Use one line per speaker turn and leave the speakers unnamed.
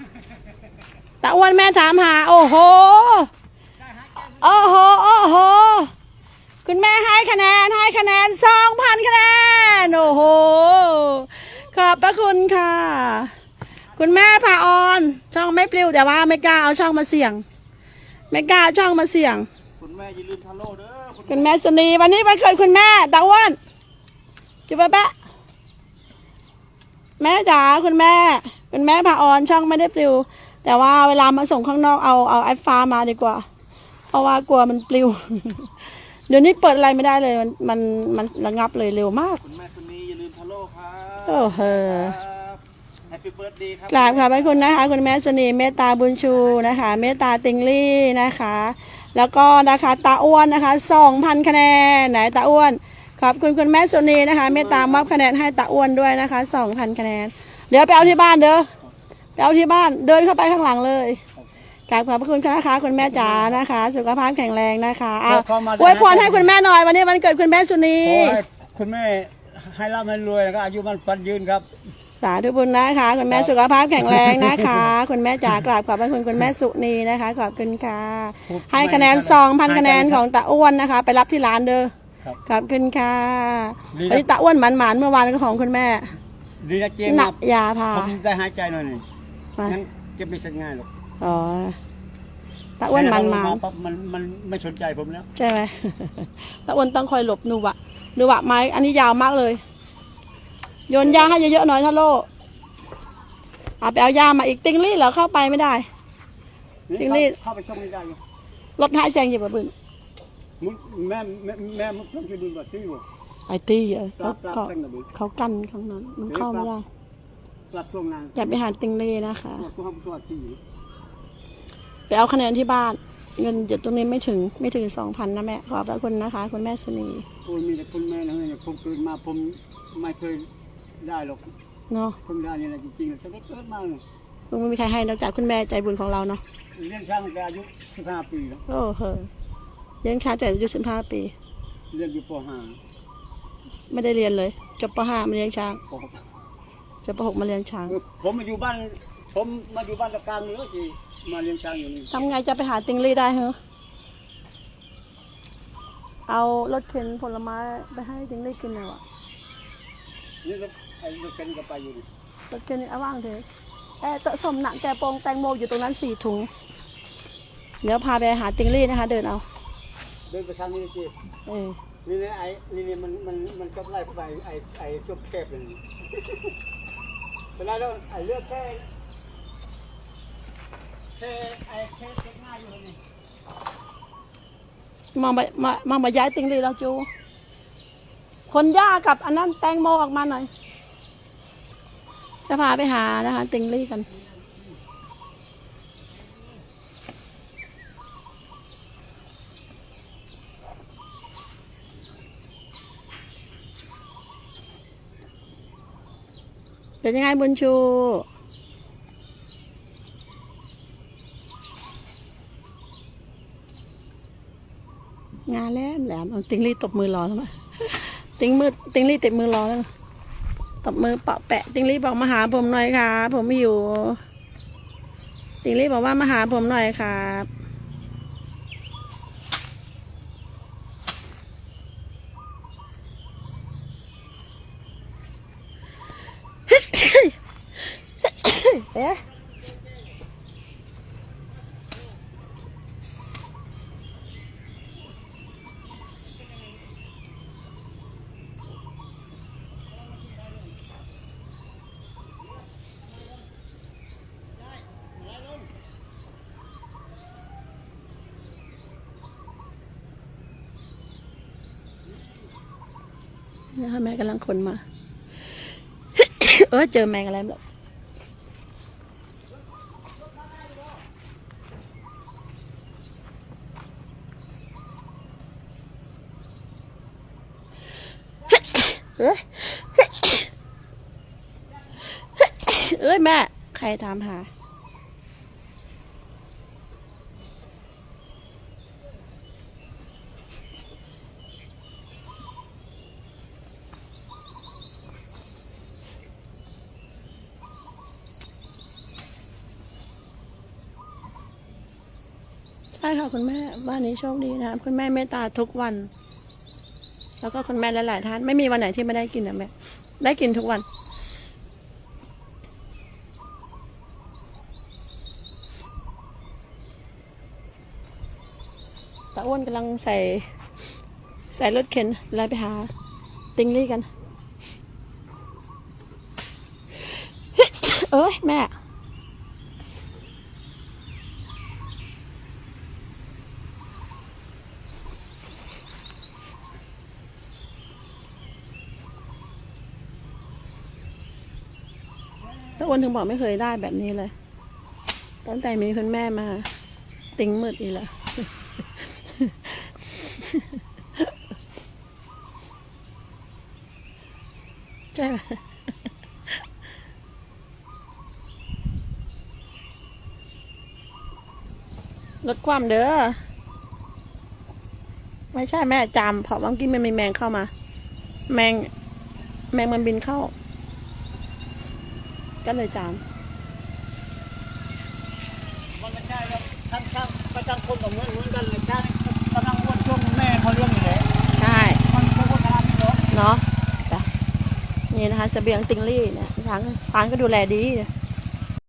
ตาอ้วนแม่ถามหาโอ้โหโอ้โหโอ้โหคุณแม่ให้คะแนน2,000 คะแนนโอ้โหขอบพระคุณค่ะคุณแม่พาออนช่องไม่ปลิวแต่ว่าไม่กล้าเอาช่องมาเสี่ยงไม่กล้าเอาช่องมาเสี่ยง
คุณแม่อย่าลืมทาโร่เด้อ
คุณแม่สุนีวันนี้วันเกิดคุณแม่ตาอ้วนจุ๊บแปะแม่จ๋าคุณแม่พาออนช่องไม่ได้ปลิวแต่ว่าเวลามาส่งข้างนอกเอาไอฟ้ามาดีกว่าเพราะว่ากลัวมันปลิว เดี๋ยวนี้เปิดอะไรไม่ได้เลยมันระงับเลยเร็วมาก
คุณแม่สุนีอย่าลืมทาโร่ครับ
โอ้โห
แฮปปี้เบิร์ดเดย์ครับ
กราบขอบพระคุณนะคะคุณแม่สุนีเมตตาบุญชูนะคะเมตตาติงลี่นะคะแล้วก็นะคะตาอ้วนนะคะ2,000 คะแนนไหนตาอ้วนขอบคุณคุณแม่สุนีนะคะเมตตามอบคะแนนให้ตาอ้วนด้วยนะคะ2,000 คะแนนเดี๋ยวไปเอาที่บ้านเด้อไปเอาที่บ้านเดินเข้าไปข้างหลังเลยกราบขอบพระคุณนะคะคุณแม่จ๋านะคะสุขภาพแข็งแรงนะคะเอาอวยพรให้คุณแม่หน่อยวันนี้วันเกิดคุณแม่สุนี
ขอให้คุณแม่ให้ร่ำให้รวยแล้วก็อายุมันปันยืนครับ
สาธุบุญนะคะคุณแม่สุขภาพแข็งแรงนะคะคุณแม่จ๋ากราบขอบพระคุณคุณแม่สุนีนะคะขอบคุณค่ะให้คะแนน2,000 คะแนนของตาอ้วนนะคะไปรับที่ร้านเด้อขอบคุณค่ะวันนี้ตาอ้วนหมันเมื่อวานก็ของคุณแม่
ดีนะเจ๊
หนักยาพา
ผมได้หายใจหน่อยหนึ่งงั้นเก็บไม่ใช่ง่ายหรอก
อ๋อตาอ้วนมัน
ไม่สนใจผมแล้ว
ใช่ไหมตาอ้วนต้องคอยหลบนูวะไม้อันนี้ยาวมากเลยโยนยาให้เยอะๆหน่อยทาโร่เอาไปเอายามาอีกติงลี่เหรอเข้าไปไม่ได้ติงลี่
เข้าไปชมไม่ได้อยู่
รถหายแซงอยู่แบบบึ้ง
แม่มุกต้องจะดูแบบซี่อยู่
ไอตีเขากันข้างนั้นมันเข้าไม่ได้อย่าไปหาติงลี่นะคะไปเอาคะแนนที่บ้านเงินอยู่ตรงนี้ไม่ถึง2,000นะแม่ขอบพระคุณนะคะคุณแม่สุนี
โอ้ยมีแต่คุณแม่นะเนี่ยผมเกิดมาผมไม่เคยได้หรอก
เนาะ
ผมได้เนี่ยจริงๆจะได้เกิดมาเลย
ไม่มีใครให้นอกจากคุณแม่ใจบุญของเราเนาะ
เลี้ยงช้างตั้งแต่อายุ15 ปีแล้ว
โอ้โหเลี้ยงช้างแต่อายุ15 ปี
เรียนอยู่ป
.5 ไม่ได้เรียนเลยจบป .5 มาเลี้ยงช้างจบป .6 มาเลี้ยงช้าง
ผมมาอยู่บ้านตะการนี่ก็จีมาเลี้ยงช้างอยู่นี่
ทำไงจะไปหาติงลี่ได้เหรอเอารถเข็นผลไม้ไปให้ติงลี่กินหน่อยวะ
นี่ก็ไอ้รถเข็นก็ไปอยู่นี่
รถเข็นนี่เอาว่างเถอะเตะสมหนักแกโปงแตงโมอยู่ตรงนั้น4 ถุงเดี๋ยวพาไปหาติงลี่นะคะเดิน
ไปทางนี้จีนี่ไอ้นี่มันจบไล่ไปไอ้จบแคบเลยเป็นไรแล้วไอ้เลือกแค่ง่ายอยู่นี่
มาย้ายติงลี่แล้วจูคนหญ้ากับอันนั้นแตงโมออกมาหน่อยจะพาไปหานะคะติงลี่กันเป็นยังไงบุญชูงานแหลมเอาติงลี่ตบมือรอแล้วมั้ยติงลี่ตบมือรอแล้วตบมือเปาะแปะติงลี่บอกมาหาผมหน่อยครับผมอยู่ติงลี่บอกว่ามาหาผมหน่อยครับเอ๊ะนี่ค่ะแม่กำลังขนมาเจอแมงอะไรแบบแม่ใครถามหาใช่ค่ะคุณแม่บ้านนี้โชคดีนะคะคุณแม่เมตตาทุกวัน แล้วก็คุณแม่หลายๆท่านไม่มีวันไหนที่ไม่ได้กินนะแม่ได้กินทุกวันตาอ้วนกำลังใส่รถเข็นอะไรไปหาติงลี่กัน เอ้ยแม่ตาอ้วนถึงบอกไม่เคยได้แบบนี้เลยตั้งแต่มีคุณแม่มาติงมืดอีกแล้ว ใช่ไหมลดความเด้อไม่ใช่แม่จามเพราะเมื่อกี้มันมีแมงเข้ามา แมงมันบินเข้า ก็เลยจาม
มันไม่ใช่ครับท่านช่างประจังคนกับเหมือนกันเลยช่างกำลังอ้วนช่วงแม่เขาเลี้ยงอยู่เลย
ใช่
มันไม่ควรทำนี่หรอก
เนาะจ้ะนี่นะคะเสบียงติงลี่เนี่ยช้างก็ดูแลดีเนี่ย